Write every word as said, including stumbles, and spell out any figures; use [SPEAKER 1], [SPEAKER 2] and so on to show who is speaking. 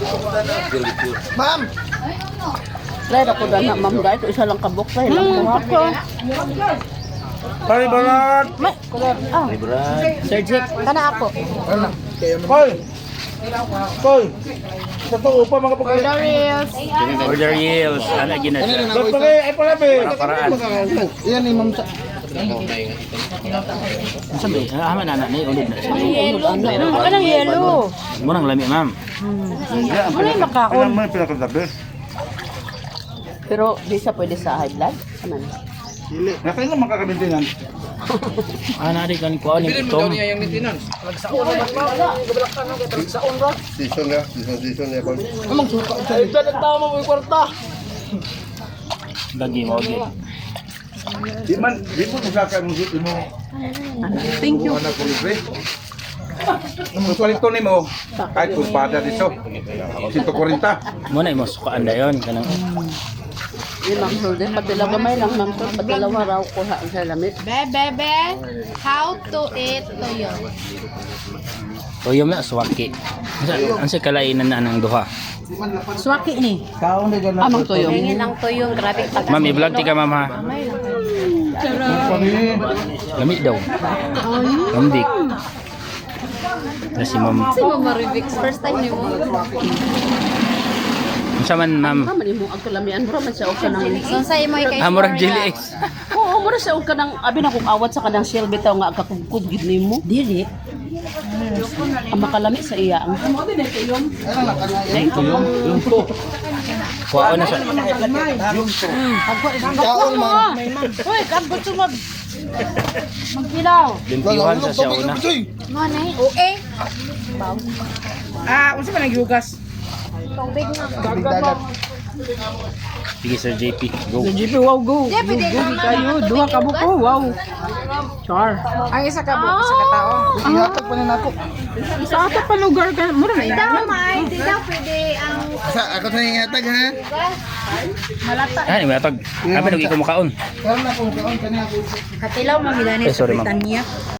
[SPEAKER 1] Ma'am!
[SPEAKER 2] Try ako na na, ma'am guys. Isa lang kabok. Try lang ko.
[SPEAKER 1] Pari balat!
[SPEAKER 2] May, ah. Sir Jeep, kana ako.
[SPEAKER 1] Koy! Koy! Sa to upa mga pagkakas.
[SPEAKER 2] Order reels.
[SPEAKER 3] Order yields. Ano ginasa?
[SPEAKER 1] Ba't pagkay ay pala be?
[SPEAKER 3] Para-paraan.
[SPEAKER 1] Yan ni ma'am sa...
[SPEAKER 3] Sabi, ah, man anak ni ulit na siya.
[SPEAKER 2] Yellow. Ano ng yellow?
[SPEAKER 3] Murang lami, ma'am.
[SPEAKER 2] Ano yung makaon?
[SPEAKER 1] Alam mo yung pinakatabi?
[SPEAKER 2] Pero di sa pwede sa high blood. Ano?
[SPEAKER 1] Dili. Nakaya nga makakabintinan.
[SPEAKER 3] Ah, nari kan ko ni Tom.
[SPEAKER 4] Season ya, season season ya kon.
[SPEAKER 1] Amang suka. Ay, dyan ang tama mo yung kwarta.
[SPEAKER 3] Lagi mo gi.
[SPEAKER 1] Di man, di mo masakay mong suti mo.
[SPEAKER 2] Thank you.
[SPEAKER 1] Anak ko libre. Ang kwalito ni mo, kahit kung pada dito, one forty.
[SPEAKER 3] Mo na mo sukaan dayon kanang
[SPEAKER 2] Yung ma'am Hulde, padala gamay lang ma'am to. Padalawa raw ko ha ang salamit.
[SPEAKER 5] Be, bebe, how to eat toyo?
[SPEAKER 3] toyom na swaki. Ang sa kalainan na ng duha.
[SPEAKER 2] Swaki ni.
[SPEAKER 1] Kaon na gano'n.
[SPEAKER 2] Amang toyo.
[SPEAKER 5] Tingin ang toyo, grabe pag
[SPEAKER 3] Ma'am, i-vlog ti ka, ma'am ha. Lami daw. Lamdik. Na si ma'am.
[SPEAKER 5] si Mama Rivix, first time ni mo.
[SPEAKER 3] Unsa man, ma'am?
[SPEAKER 2] Kaman mo ang kalamian bro man siya og kanang.
[SPEAKER 5] So sa imo kay
[SPEAKER 3] Ah, murag jelly eggs.
[SPEAKER 2] Oo, mura siya og kanang abi na kung awat sa kanang shell bitaw nga kakugkod gid nimo. Dili. Ang makalami sa iya ang
[SPEAKER 3] Kuha na siya.
[SPEAKER 1] Kaon man.
[SPEAKER 2] Hoy, kabot sumag. Magkilaw.
[SPEAKER 3] Limpiwan sa siya una.
[SPEAKER 5] mo na eh. Oo eh.
[SPEAKER 2] Ah, unsa man naghugas?
[SPEAKER 5] Tubig na.
[SPEAKER 1] Dagat.
[SPEAKER 3] Sige, Sir J P. Go.
[SPEAKER 2] G P wow go.
[SPEAKER 5] Di, pwede naman
[SPEAKER 2] Kayo duha ka buko, wow. Char.
[SPEAKER 6] Ang isa ka buko sa katao.
[SPEAKER 1] Ihatag pa na nako.
[SPEAKER 2] Sa ato pa lugar ka, mura na
[SPEAKER 5] Di daw, may. Di daw pwede ang
[SPEAKER 1] Sa ako sa ihatag ha.
[SPEAKER 5] malata.
[SPEAKER 3] Ah, ni matag. Abi nag ikaw makaon.
[SPEAKER 1] Karon na kung kaon kani ako.
[SPEAKER 6] Katilaw mamilani
[SPEAKER 3] Eh,
[SPEAKER 6] sa
[SPEAKER 3] sorry, ma'am.
[SPEAKER 6] Britanya.